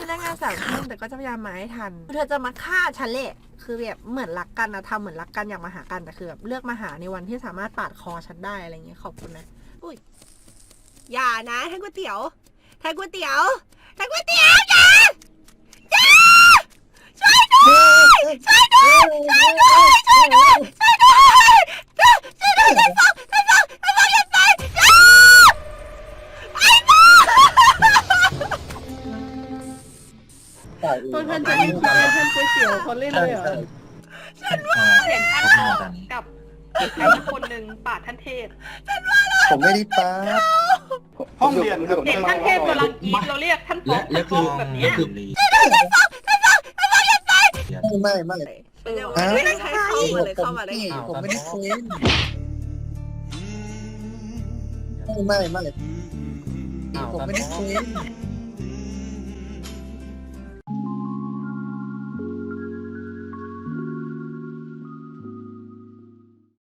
เลิกงาน3 ทุ่มแต่ก็จะพยายามมาให้ทันเธอจะมาฆ่าฉันแหละคือแบบเหมือนรักกันนะทำเหมือนรักกันอยากมาหากันแต่คือแบบเลือกมาหาในวันที่สามารถปาดคอฉันได้อะไรเงี้ยขอบคุณนะอุ้ยอย่านะแทงก๋วยเตี๋ยวแทงก๋วยเตี๋ยวแทงก๋วยเตี๋ยวอย่าช่วยด้วยช่วยด้วยช่วยด้วยช่วยด้วยช่วยด้วยช่วยด้วยฉันฟ้องอย่าตายไอ้บ้าตัวท่านจะมีคิดว่าท่านก๋วยเตี๋ยวเขาเล่นเลยเหรอเห็นท่านทองกับใครสักคนหนึ่งปาดท่านเทพผมไม่ได้ปาดห้องเรียนครับเห็นท่านเทพกำลังกรีดเราเรียกท่านฟองท่านฟองแบบนี้ไม่ไม่ได้ใช้เข้ามาเลยเข้ามาได้ไงผมไม่ได้เป็นไม่ผมไม่ได้เป็น